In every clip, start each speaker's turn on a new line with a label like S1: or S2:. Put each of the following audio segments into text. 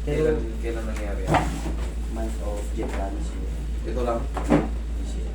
S1: Pero,
S2: Kailan nangyari yan?
S1: month of Japan siguro.
S2: Ito lang?
S1: This year.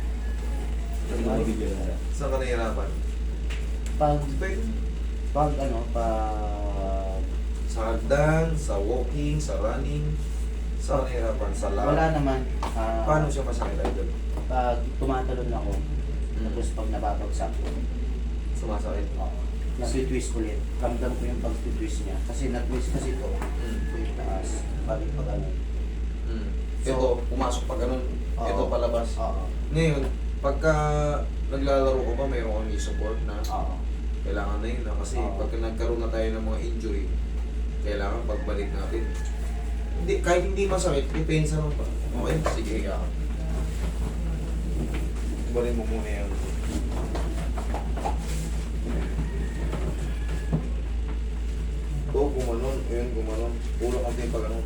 S2: Saan ka nahihirapan?
S1: Pag,
S2: Pwede.
S1: pag ano, pag
S2: Sa hagdan, sa walking, sa running. Saan ka nahihirapan? Sa
S1: wala
S2: lakad?
S1: naman,
S2: Paano siya masakit idol?
S1: pag tumatalon ako,
S2: Hmm.
S1: tapos pag nababagsak,
S2: Sumasakit?
S1: nag-twist ulit. Ramdam ko yung pag-twist niya. Kasi nag-twist kasi ito,
S2: Hmm.
S1: yung taas, balik pa ganun.
S2: Hmm.
S1: So,
S2: Ito, pumasok pa ganun.
S1: Oo.
S2: Ito palabas.
S1: Oo.
S2: Ngayon, pagka naglalaro ko ba, mayroon kang support na
S1: Oo.
S2: kailangan na yun na kasi
S1: Oo.
S2: pagka nagkaroon na tayo ng mga injury, kailangan pagbalik natin. Hindi, kahit hindi masakit, depensa lang pa. Okay, sige ka. Balik mo muna yan. Ito, gumanon. Ayun, gumanon. Ulak ang din pag ano.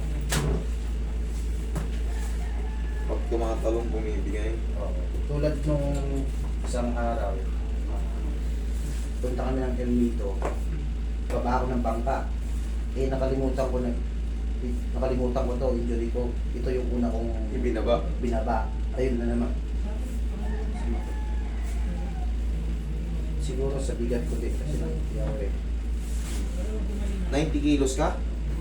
S2: Pag tumatalong, bumibigay.
S1: Oo. Tulad nung isang araw, punta kami ng El Nido, baba ako ng bangka. Eh nakalimutan ko to, injury ko. Ito yung una kong
S2: Ibinaba.
S1: binaba. Ayun na naman. Siguro sa bigat ko din kasi hindi ako eh.
S2: 90 kilos ka?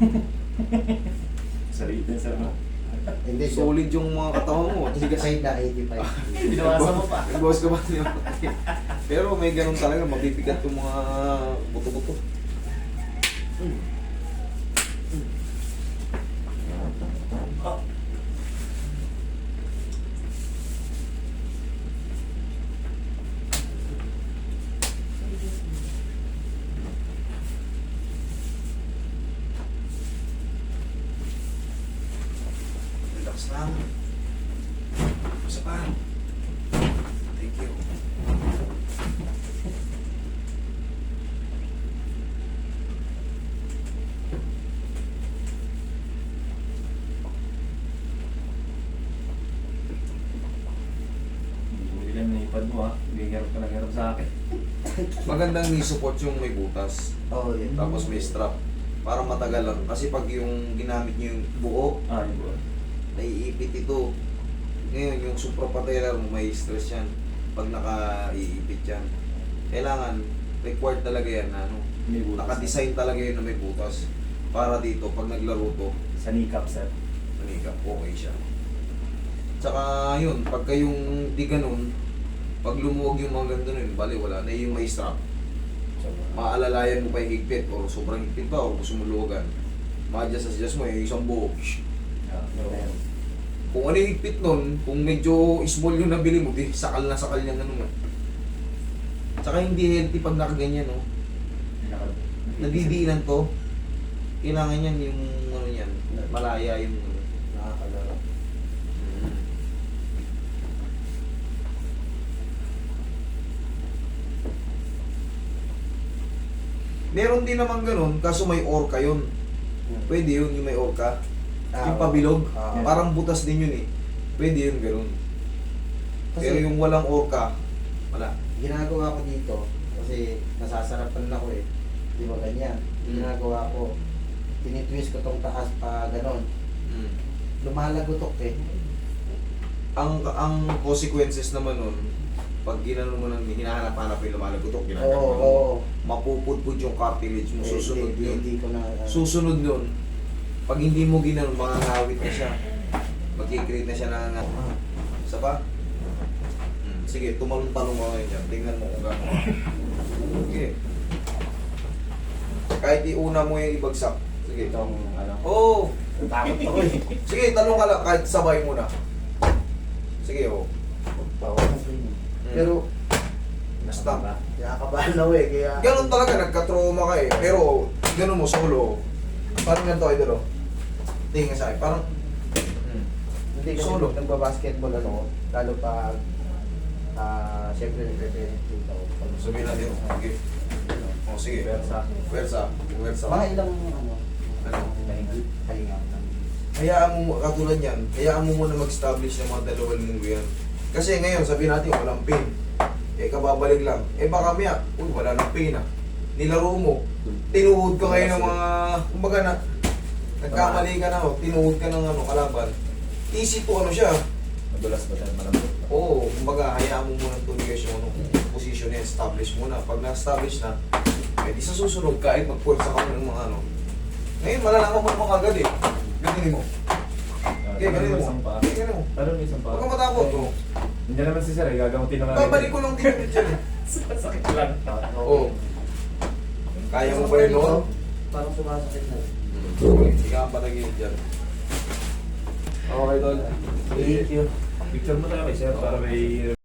S3: Salitin sa mo.
S1: Hindi, so,
S2: Solid yung mga katawan mo.
S1: kasi na 85.
S3: Binawasa mo pa.
S2: Nag-boss ka ba niya? Pero may ganun talaga, mabibigat yung mga buto-buto. Relax lang. Isa pa. Thank you.
S3: Hindi lang naipad mo ha. Bigyan ka ng hirap sa akin.
S2: Magandang knee support yung may butas.
S1: Oo, yun.
S2: Tapos may strap. Para matagal lang. Kasi pag yung ginamit nyo yung buo,
S3: Ah, yun ba?
S2: naiipit ito. Ngayon, yung suprapatellar mo, may stress yan. Pag naka-iipit yan. Kailangan, required talaga yan na ano.
S3: May butas.
S2: Naka-design talaga yun na may butas. Para dito, pag naglaro to,
S3: Sa kneecap, sir.
S2: manikap, okay siya. Tsaka yun, pagka yung di ganun, pag lumuwag yung mga ganito nun, bali wala na yung may strap. Maalalayan mo pa yung higpit o sobrang higpit pa o gusto mo luwagan. Ma-adjust mo yung isang buo.
S3: Ah, no.
S2: Kung ano yung higpit nun, kung medyo small yung nabili mo, di sakal na sakal yan ano. Tsaka hindi healthy pag nakaganyan, no? Nadidiinan to. Kailangan yan yung ano yan, malaya yung ano.
S1: Nakakalaro.
S2: Meron din naman ganun, kaso may orca yun. Pwede yun, yung may orca. Yung
S1: oo.
S2: pabilog,
S1: Oo.
S2: parang butas din yun eh. Pwede yun ganun.
S1: Kasi-
S2: Pero yung walang orca, wala.
S1: Ginagawa ko dito, kasi nasasarapan ako eh. Di ba ganyan? Ginagawa ko, tinitwist ko tong taas pa ganon.
S2: Mm.
S1: Lumalagotok eh.
S2: Ang consequences naman nun, pag ginano mo nang hinahanap-hanap yung lumalagotok,
S1: Oo,
S2: ginagawa mo,
S1: oo.
S2: mapupudpud yung cartilage mo, susunod yun.
S1: Hindi ko na...
S2: Susunod nun, pag hindi mo ginanon, makangawit na siya. Magkikreate na siya ng... Isa pa? Sige, tumalong-talong ka ngayon dyan. Tingnan mo kung gano'n. Sige. Kahit iuna mo yung ibagsak. Sige.
S1: Itong ano.
S2: Oo!
S1: Takot ako eh.
S2: Sige, talong ka lang kahit sabay mo na. Sige, oo.
S1: Bawal na ganyan. Pero,
S2: Basta.
S1: nakakabahan ako eh. Kaya...
S2: Ganun talaga, nagka-trauma ka eh. Pero, ganun mo, solo. Parang ganito kayo doon. Tingin sa akin, parang...
S1: Hindi kasi
S2: Solo.
S1: nagbabasketball ano, lalo pag... siyempre nagre-training dito ako.
S2: Sabihin natin, okay. O, sige.
S3: Pwersa.
S2: Pwersa. Pwersa.
S1: Mga ilang ano,
S2: Ano?
S1: pahinga.
S2: Hayaan mo, katulad yan, hayaan mo muna mag-establish ng mga dalawang linggo yan. Kasi ngayon, sabihin natin, walang pain. Eh, kababalik lang. Eh, baka maya, uy, wala nang pain ah. Nilaro mo. Tinuhod ka ngayon ng mga, kumbaga na, Nagkamali ka na, oh, tinuhod ka ng kalaban. Easy to siya.
S3: Madulas ba tayo? Malambot.
S2: Oo, kumbaga, hayaan mo muna tuloy yung position niya, establish muna. Pag na-establish na, di sa susunod, kahit magpulsa ka mo ng mga Ngayon, malalaman mo mga agad eh. Ganinin mo. Okay, ganinin mo. Okay, ganinin mo.
S3: Pero may isang pa.
S2: Huwag kang matakot, bro.
S3: Hindi naman si Sir, gagamutin na nga.
S2: Babalik ko lang din ulit dyan eh.
S3: Sakit lang.
S2: Oo. Kaya mo ba yun noon?
S1: Parang sumasakit na.
S2: Hindi ka patagilid dyan. Okay, Tol.
S1: Thank you.
S3: Picture mo tayo kay Sir para may